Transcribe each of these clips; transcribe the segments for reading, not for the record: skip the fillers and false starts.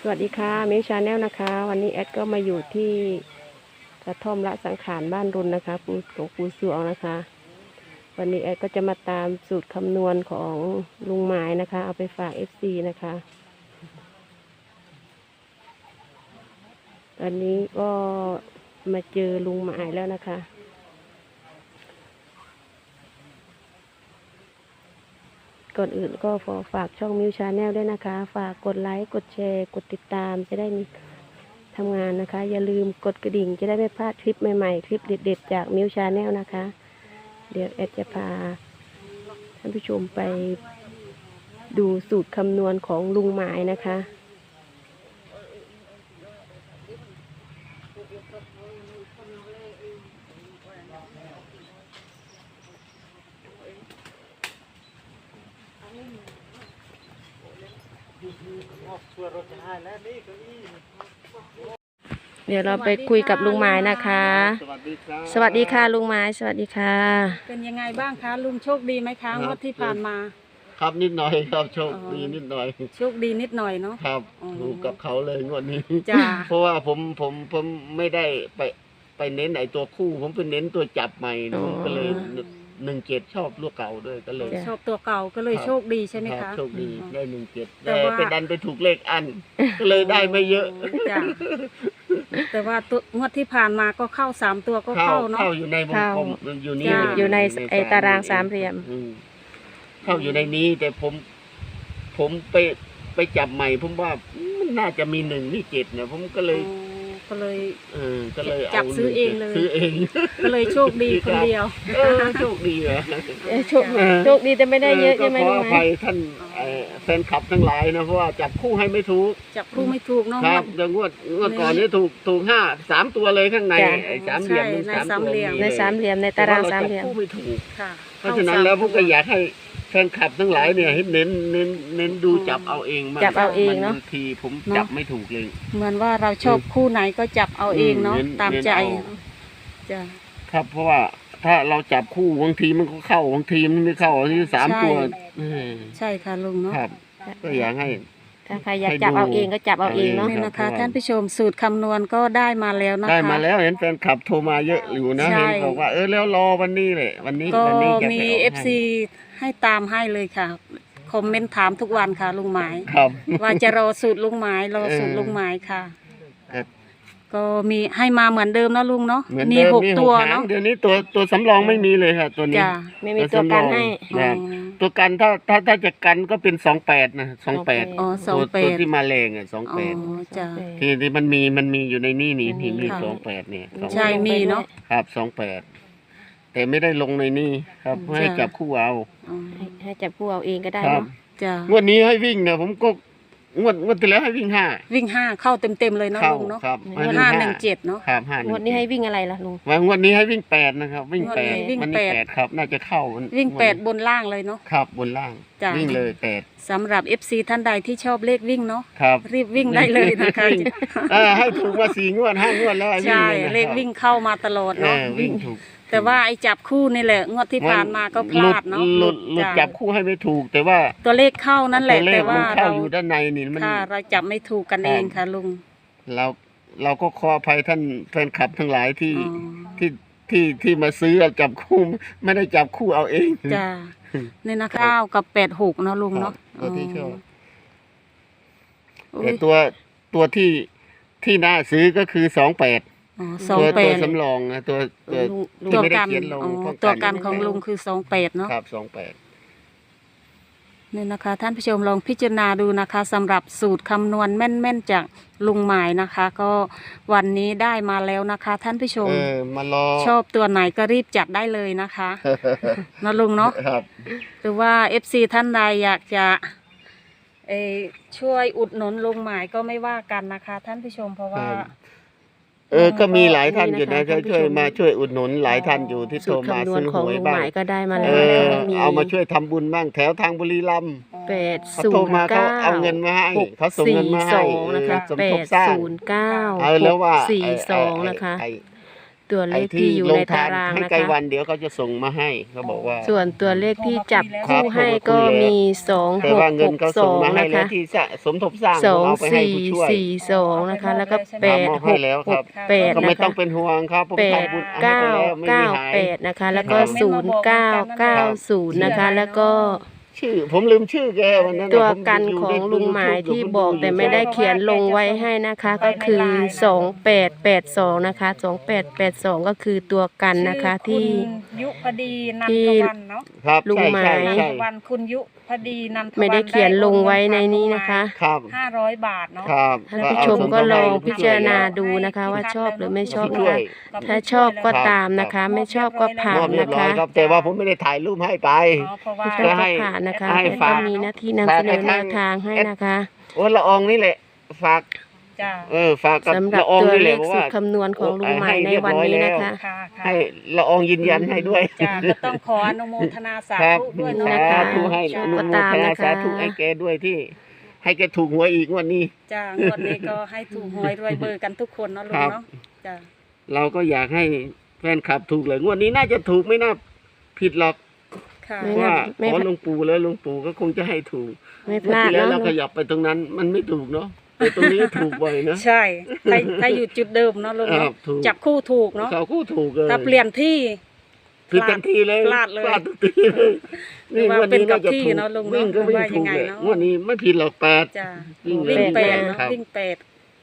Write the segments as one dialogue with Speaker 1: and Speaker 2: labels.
Speaker 1: วัสดีค่ะมิวชาแนลนะคะวันนี้แอดก็มาอยู่ที่กระท่อมละสังขารบ้านรุนนะคะหลวงปู่สวงนะคะวันนี้แอดก็จะมาตามสูตรคำนวณของลุงหมายนะคะเอาไปฝาก FC นะคะตอนนี้ก็มาเจอลุงหมายแล้วนะคะก่อนอื่นก็ขอฝากช่องมิวชาแนลด้วยนะคะฝากกดไลค์กดแชร์กดติดตามจะได้มีทำงานนะคะอย่าลืมกดกระดิ่งจะได้ไม่พลาดคลิปใหม่ๆคลิปเด็ดๆจากมิวชาแนลนะคะเดี๋ยวแอดจะพาท่านผู้ชมไปดูสูตรคำนวณของลุงหมายนะคะเดี๋ยวเราไปคุยกับลุงหมายนะคะสวัสดีค่ะลุงหมายสวัสดีค่ะ
Speaker 2: เป็นยังไงบ้างคะลุงโชคดีไหมคะงวดที่ผ่านมา
Speaker 3: ครับนิดหน่อยครับโชคดีนิดหน่อย
Speaker 2: โชคดีนิดหน่อยเนาะ
Speaker 3: ครับถูกกับเขาเลยงวดนี้
Speaker 2: จ้า
Speaker 3: เพราะว่าผมไม่ได้ไปเน้นไอ้ตัวคู่ผมไปเน้นตัวจับใหม่ก็เลย17ชอบลูกเก่าด้วยก็เลย
Speaker 2: ชอบตัวเก่าก็เลยโชคดีใช่ไหมคะ
Speaker 3: โชคดีได้17แต่ไปดันไปถูกเลขอันก็เลยได้ไม่เยอะ
Speaker 2: จ้าแต่ว่าตัวงวดที่ผ่านมาก็เข้า3ตัวก็เข้าเนาะ
Speaker 3: เข้าอยู่ในวงกลมอยู่นี่
Speaker 1: อยู่ในไอตารางสามเหลี่ยม
Speaker 3: เข้าอยู่ในนี้แต่ผมไปจับใหม่ผมว่ามันน่าจะมี1นี่7เนี่ยผมก็เลย
Speaker 2: จับซื้อเองเลยก็เลยโชคดีคนเดียว
Speaker 3: โชคดีเหรอ
Speaker 1: โชคดีแต่ไม่ได้เยอะใช่ไหม
Speaker 3: ขออภัยท่านแฟนคลับทั้งหลายนะเพราะว่าจับคู่ให้ไม่ถูก
Speaker 2: จับคู่ไม่ถูกเนาะ
Speaker 3: ครับอย่างงวดก่อนนี้ถูก3ตัวเลยข้างในสามเหลี่ยม
Speaker 2: ในสามเหลี่ยม
Speaker 1: ในตารางสามเหลี่ยม
Speaker 3: คู่ไม่ถูกเพราะฉะนั้นแล้วผมก็อยากให้แฟนคลับทั้งหลายเนี่ยให้เน้นดูจับเอาเอง
Speaker 1: จับเอาเองเนาะ
Speaker 3: บางทีผมจับไม่ถูกเลย
Speaker 2: เหมือนว่าเราชอบคู่ไหนก็จับเอาเองเนาะตามใจ
Speaker 3: จ้ะครับเพราะว่าถ้าเราจับคู่บางทีมันก็เข้าบางทีมันไม่เข้าที่3ตัว
Speaker 2: ใช่ค่ะลุงเนาะ
Speaker 3: ครับก็อยากให้
Speaker 1: ถ้าใครอยากจับเอาเองก็จับเอาเองเนาะ
Speaker 2: นี่นะคะท่านผู้ชมสูตรคำนวณก็ได้มาแล้วนะคะ
Speaker 3: ได้มาแล้วเห็นแฟนคลับโทรมาเยอะอยู่นะเห็นบอกว่าแล้วรอวันนี้เลยวันนี้
Speaker 2: มี FC ให้ตามให้เลยค่ะคอมเมนต์ถามทุกวันค่ะลุงหมายว่าจะรอสูตรลุงหมายรอสูตรลุงหมายค่ะก็มีให้มาเหมือนเดิมนะลุงเนาะมี6ตัวเนาะ
Speaker 3: เดี๋ยวนี้ตัวสำรองไม่มีเลยค่ะตัวนี้
Speaker 1: ไม่มีตัวกันให้
Speaker 3: ตัวกันถ้าจะกันก็เป็น28นะ28ตัวที่มาแรงอ่ะ28
Speaker 2: จ้ะ
Speaker 3: ที่มันมีอยู่ในนี่มี28เนี่ย
Speaker 2: ใช่มีเนาะ
Speaker 3: ครับ28แต่ไม่ได้ลงในนี่ครับให้จับคู่เอา
Speaker 1: ให้จับคู่เอาเองก็ได้เนาะ
Speaker 2: จ้ะ
Speaker 3: งวดนี้ให้วิ่งเนี่ยผมก็งวดที่แล้วให้วิ่ง5
Speaker 2: เข้าเต็มเลยเนาะลุงเนาะ517เนาะ
Speaker 3: ครับ
Speaker 1: 5งวดนี้ให้วิ่งอะไรล่ะลุง
Speaker 3: งวดนี้ให้วิ่ง8นะครับวิ่ง8มัน8ครับน่าจะเข้า
Speaker 2: วิ่ง8บนล่างเลยเนาะ
Speaker 3: ครับบนล่างวิ่งเลย8
Speaker 2: สำหรับ FC ท่านใดที่ชอบเลขวิ่งเนาะรีบวิ่งได้เลยนะคะ
Speaker 3: ให้ถูกมา4งวด5งวดแล้ว
Speaker 2: ใช่เลขวิ่งเข้ามาตลอดเนาะ
Speaker 3: วิ่งถูก
Speaker 2: แต่ว่าไอ้จับคู่นี่แหละงวดที่ผ่านมาก็พลาดเนาะ
Speaker 3: หลุดจับคู่ให้ไม่ถูกแต่ว่า
Speaker 2: ตัวเลขเข้านั่นแหละแต่ว่า
Speaker 3: เราอยู่ด้านในนี่มัน
Speaker 2: เราจับไม่ถูกกันเองค่ะลุง
Speaker 3: เราก็ขออภัยท่านแฟนคลับทั้งหลายที่มาซื้อจับคู่ไม่ได้จับคู่เอาเอง
Speaker 2: จ้านี่นะ9กับ86เนาะลุงเนาะ
Speaker 3: ตัวที่ชอบแต่ตัวที่น่าซื้อก็คือ28ตัวสำรองนะตัวไม่ได้เขียนลง
Speaker 2: ตัวกันของลุงคือ28เนาะ
Speaker 3: ครับ28
Speaker 2: นี่นะคะท่านผู้ชมลองพิจารณาดูนะคะสำหรับสูตรคำนวณแม่นๆจากลุงหมายนะคะก็วันนี้ได้มาแล้วนะคะท่านผู้ชมชอบตัวไหนก็รีบจัดได้เลยนะคะนะลุงเนาะหรือว่า FC ท่านใดอยากจะช่วยอุดหนุนลุงหมายก็ไม่ว่ากันนะคะท่านผู้ชมเพราะว่า
Speaker 3: ก็มีหลายท่านอยู่นะช่วยอุดหนุนหลายท่านอยู่ที่โทรมาซื้อหวยบ้าง
Speaker 1: ก็ได้มาแล้ว
Speaker 3: เอามาช่วยทำบุญบ้างแถวทางบุรีรัมย์
Speaker 1: 809
Speaker 3: เขาเอาเงินมาให้เขาส่งเงินมาให้
Speaker 1: นะคะ809
Speaker 3: แล้วว่า
Speaker 1: 42นะคะตัวเลขที่อยู่ในตาราง
Speaker 3: ให้
Speaker 1: นะ
Speaker 3: ไกล
Speaker 1: คะ
Speaker 3: วันเดี๋ยวเขาจะส่งมาให้เขาบอกว่า
Speaker 1: ส่วนตัวเลขที่จับ
Speaker 3: ครั
Speaker 1: คู่
Speaker 3: บ
Speaker 1: ให้ก็มี
Speaker 3: แต่ว่าเงินเขาส่งมาให้
Speaker 1: 2662 นะ
Speaker 3: แล้ว
Speaker 1: คะ
Speaker 3: ที่สมทบสร้าง
Speaker 1: สอง
Speaker 3: เอาไปให้
Speaker 1: สี่
Speaker 3: ผู้ช่วย
Speaker 1: สี่สองนะคะ แล้วก็
Speaker 3: มอบให้แล้วครับ
Speaker 1: 8
Speaker 3: ก็ไม่
Speaker 1: นะ
Speaker 3: ต้อง
Speaker 1: คะ
Speaker 3: เป็นห่วงครับผม
Speaker 1: แปด
Speaker 3: ทำบุญให้
Speaker 1: เก้า
Speaker 3: ไปแล้วไม่มี
Speaker 1: เก้า
Speaker 3: หาย
Speaker 1: แปดนะคะ แล้วก็
Speaker 3: ครับ
Speaker 1: 0990นะคะ แล้วก็
Speaker 3: ชื่อผมลืมชื่อแกวันนั้นน่ะ
Speaker 1: ตัว
Speaker 3: ผม
Speaker 1: กัน
Speaker 3: ยู่
Speaker 1: ของ
Speaker 3: ใน
Speaker 1: ลุงหมาย
Speaker 3: YouTube
Speaker 1: ที่
Speaker 3: ผม
Speaker 1: บอก
Speaker 3: ดู
Speaker 1: แต่ไม่ได้เขียนลงไว้ให้นะคะ ก็คือ2882นะคะ2882ก็คือตัวกันนะคะที่
Speaker 4: คุณยุพดีนันทวันเนาะ
Speaker 3: ครับ
Speaker 1: ลุง
Speaker 3: ใช่
Speaker 1: หมาย
Speaker 3: ใช่
Speaker 4: นัน
Speaker 3: ใช่
Speaker 4: ทวันคุณยุพดีนันทวัน
Speaker 1: ไม่ได้เขียนลงไว้ในนี้นะคะ
Speaker 3: ครับ
Speaker 4: 500 บาทเนาะ
Speaker 3: ครับ
Speaker 1: ท่านผู้ชมก็ลองพิจารณาดูนะคะ ว่าชอบหรือไม่ชอบนะ
Speaker 3: ช่ว
Speaker 1: คะ
Speaker 3: ย
Speaker 1: ถ้าชอบก็ตามนะคะ ไม่ชอบก็ผ่าม
Speaker 3: อน บเรีย
Speaker 1: นะ
Speaker 3: บร้อย
Speaker 1: คะ
Speaker 3: ครับ แต่ว่าผมไม่ได้ถ่ายรูปให้ไป
Speaker 4: อ๋อเพราะว่า
Speaker 1: ไม่ชอบก็ผ่านนะคะ
Speaker 3: ให้
Speaker 1: แต่
Speaker 3: ฝา
Speaker 1: ก็
Speaker 3: ก
Speaker 1: มีหน้าที่นำเสนอแนวทางให้นะคะ
Speaker 3: โอ้ละอองนี่แหละฝาก
Speaker 4: จ้า
Speaker 3: ฝากกับ
Speaker 1: สำหรับ
Speaker 3: ละออง
Speaker 1: ตัว
Speaker 3: นี่แห
Speaker 1: เล
Speaker 3: ละ
Speaker 1: ข
Speaker 3: บอก
Speaker 1: สู
Speaker 3: ว่า
Speaker 1: ตรคำนวณของลุงหมายในวันนี้นะคะ
Speaker 4: ค่ะค่ะ
Speaker 3: ให้ละอองยืนยันให้ด้วย
Speaker 4: จ้าก็ต้องขออนุโมทนาสา
Speaker 3: ครับ
Speaker 4: ธุด้วย
Speaker 1: นะ
Speaker 4: เนาะ
Speaker 1: คะ
Speaker 3: สาธุให้
Speaker 4: จ้า
Speaker 3: อนุโมทนาสาธุให้แกด้วยที่ ให้แกถูกหวยอีกงวันนี้
Speaker 4: จ้างวดนี้ก็ให้ถูกหวยรวยเบอร์กันทุกคนเนาะลุงเนาะจ้า
Speaker 3: เราก็อยากให้แฟนคลับถูกเลยงวดนี้น่าจะถูกไม่น่าผิดหรอก
Speaker 4: ค่ะ
Speaker 1: ไม่
Speaker 3: เพราะว่า
Speaker 1: ไม่
Speaker 3: ขอหลวงปู่แล้วหลวงปู่ก็คงจะให้ถูก
Speaker 1: ไม่พ
Speaker 3: เมื่อ
Speaker 1: ลาด
Speaker 3: ที่แล้ว
Speaker 1: เนาะ
Speaker 3: เราขยับไปตรงนั้นมันไม่ถูกเนาะแต่ตรงนี้ถูกบ่อยนะ
Speaker 4: ใช่ถ้าอยู่จุดเดิมเนาะลุง
Speaker 3: ครั
Speaker 4: เนาะ
Speaker 3: บถูก
Speaker 4: จับคู่ถูกเนาะ
Speaker 3: เขาคู่ถูกเลย
Speaker 4: ถ้าเปลี่ยนที่
Speaker 3: ผิดทันทีเลย
Speaker 4: พลาดเลย
Speaker 3: พลาดทุกทีเลย
Speaker 4: หรือว่าเป็นกับที่
Speaker 3: ถูก
Speaker 4: เนาะลุงเนาะ
Speaker 3: วิ่งก็วิ่ง
Speaker 4: ว่ายั
Speaker 3: ถู
Speaker 4: ง
Speaker 3: ก
Speaker 4: ไง
Speaker 3: เลย
Speaker 4: เนาะ
Speaker 3: งวันนี้ไม่ผิดหรอก8
Speaker 4: จ้า
Speaker 3: วิ่ง
Speaker 4: วิ่ง
Speaker 3: เลย
Speaker 4: แปดเนาะ
Speaker 3: ครับ
Speaker 4: วิ่งแปด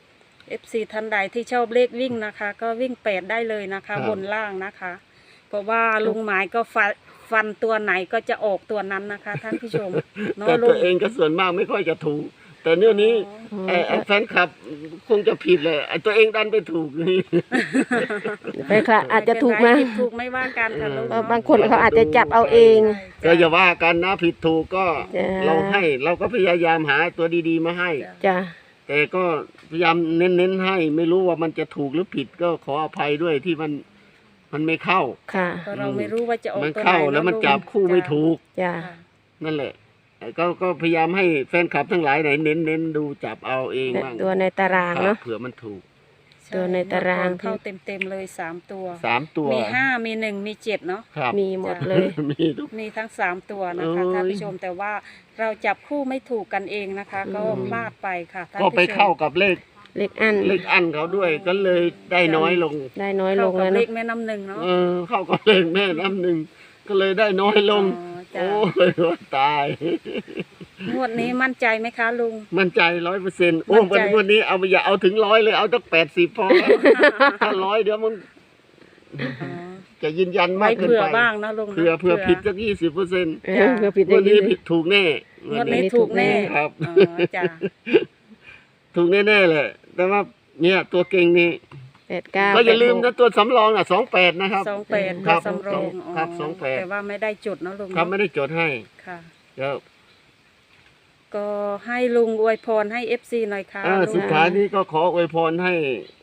Speaker 4: FC ท่านใดที่ชอบเลขวิ่งนะคะ ก็วิ่ง8ได้เลยนะคะ บนล่างนะคะ เพราะว่าลุงหมายก็ฟันตัวไหนก็จะออกตัวนั้นนะคะ ท่านผู้ชมเนาะ
Speaker 3: แต่
Speaker 4: ลุ
Speaker 3: ตัว
Speaker 4: ง
Speaker 3: เองก็ส่วนมากไม่ค่อยจะถูก แต่เนื่องนี้
Speaker 1: อ๋อ
Speaker 3: ไอ้แฟนคลับคงจะผิดเลยไอ้ตัวเองดันไปถูกนี่
Speaker 1: ไปค่ะอาจจะถูกมา
Speaker 4: ผิดถูกไม่ว่ากันค่ะลุง
Speaker 1: เพราะ
Speaker 4: เนาะ
Speaker 1: บางคนเขาอาจจะจับเอาเอง
Speaker 3: ก็อย่าว่ากันนะผิดถูกก็
Speaker 1: จ้ะ
Speaker 3: เราก็พยายามหาตัวดีๆมาให้
Speaker 1: จ้ะ
Speaker 3: แต่ก็พยายามเน้นๆให้ ไม่รู้ว่ามันจะถูกหรือผิดก็ขออภัยด้วยที่มันไม่เข้า
Speaker 1: ค่ะ
Speaker 4: ก็เราไม่รู้ว่าจะออก
Speaker 3: มัน
Speaker 4: ตัวไหน
Speaker 3: เข้า
Speaker 4: เนาะ
Speaker 3: แล้วมัน
Speaker 4: ลุง
Speaker 3: จับคู่ไม่ถูก
Speaker 1: จ้ะ
Speaker 4: ค่ะ
Speaker 3: นั่นแหละก็พยายามให้แฟนคลับทั้งหลายไหนเน้นดูจับเอาเองบ้าง
Speaker 1: ตัวในตารางเนาะ
Speaker 3: เผื่อมันถูก
Speaker 1: ตัวในตาราง
Speaker 4: เข้าเต็มๆเลย3 ตัว
Speaker 3: 3 ตัว
Speaker 4: มี5มี1มี7เนาะ
Speaker 3: ครับ
Speaker 1: มีหมดเลย
Speaker 3: มีทุก
Speaker 4: มีทั้ง3ตัวนะคะ
Speaker 3: เอ้ย
Speaker 4: ท่านผู้ชมแต่ว่าเราจับคู่ไม่ถูกกันเองนะคะ ก็พลาดไปค่ะท่าน
Speaker 3: ก็
Speaker 4: ผู้ชม
Speaker 3: ไปเข้ากับเลข
Speaker 1: เล็กอัน
Speaker 3: อันเขาด้วยก็เลยได้น้อยลง
Speaker 1: ได้น้อยล
Speaker 4: เข้าง กับ
Speaker 1: แล้ว
Speaker 4: เล
Speaker 1: เนาะ
Speaker 4: ขแม่น้ำหนึ่งเนาะ
Speaker 3: เข้ากับเลขแม่น้ำหนึ่งก็เลยได้น้อยลง
Speaker 4: อ๋อจ้ะ
Speaker 3: โอ้ยว่าตาย
Speaker 4: งวดนี้มั่นใจไหมคะลุง
Speaker 3: มั่นใจ100%โอ้
Speaker 4: มั่นใจ
Speaker 3: วันนี้เอาอย่าเอาถึง100เลยเอาตั้ง80พอถ้า100เดี๋ยวมัน
Speaker 4: อ๋อ
Speaker 3: จะยืนยัน
Speaker 4: ไว้
Speaker 3: มากเกิน
Speaker 4: เผื่อ
Speaker 3: ไป
Speaker 4: บ้างนะลุงนะ
Speaker 3: เผื่อผิดสัก20%
Speaker 1: เพื่อผิด
Speaker 3: วันนี้
Speaker 1: ได้
Speaker 3: ผิดถูกแน่
Speaker 4: งวดนี้ถูกแน่
Speaker 3: ครับ
Speaker 4: อ๋อจ้ะ
Speaker 3: ถูกแน่ๆแหละแต่ว่าเนี่ยตัวเก่งนี่
Speaker 1: 89
Speaker 3: ก็อย่าลืมนะตัวสำรอง28นะครับ
Speaker 4: 28
Speaker 3: ครั
Speaker 4: ก็
Speaker 3: บ
Speaker 4: สำรอง
Speaker 3: ครับ
Speaker 4: อ๋อ
Speaker 3: 28
Speaker 4: แต่ว่าไม่ได้จดเนาะลุง
Speaker 3: ครับ
Speaker 4: เนาะ
Speaker 3: ไม่ได้จดให้
Speaker 4: ค่ะ
Speaker 3: แล้ว
Speaker 4: ก็ให้ลุงอวยพรให้ FC หน่อยค่ะลุง
Speaker 3: สุดท้ายนี้ก็ขออวยพรให้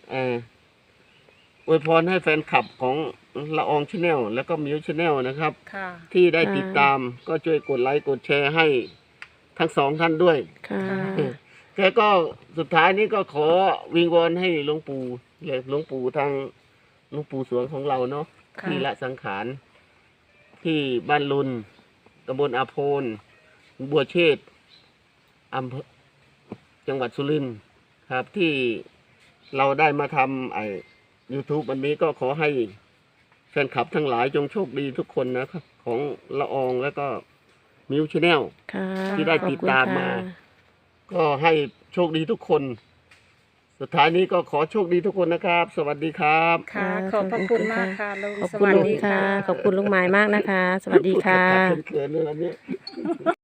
Speaker 3: อวยพรให้แฟนคลับของละอองชาแนลแล้วก็มิวชาแนลนะครับ
Speaker 4: ค่ะ
Speaker 3: ที่ได้ติดตามก็ช่วยกดไลค์กดแชร์ให้ทั้ง2ท่านด้วย
Speaker 1: ค่ะ
Speaker 3: แกก็สุดท้ายนี้ก็ขอวิงวอนให้หลวงปู่เลยหลวงปู่ทางหลวงปู่สวงของเราเนาะ
Speaker 4: ค่ะ
Speaker 3: ที่ละสังขารที่บ้านลุนตำบลอาโพนบัวเชษฐ์อำเภอจังหวัดสุรินทร์ครับ ที่เราได้มาทำYouTube อันนี้ก็ขอให้แฟนคลับทั้งหลายจงโชคดีทุกคนนะครับของละอองแล้วก็มิวชาแนล
Speaker 1: ค่ะ
Speaker 3: ที่ได้ติดตามมา
Speaker 1: ขอบคุณค่ะ
Speaker 3: ก็ให้โชคดีทุกคน สุดท้ายนี้ก็ขอโชคดีทุกคนนะครับ สวัสดีครับ
Speaker 4: ค่ะ ขอบพระคุณมากค่ะลุง
Speaker 1: ขอบ
Speaker 4: ส
Speaker 1: คุณ
Speaker 4: วัส
Speaker 1: ลุง
Speaker 4: ดี
Speaker 1: ค่ะ
Speaker 4: ค่ะ
Speaker 1: ขอบคุณลุงหมายมากนะคะ สวัสดีค่ะ
Speaker 3: เขินๆเลยอันนี้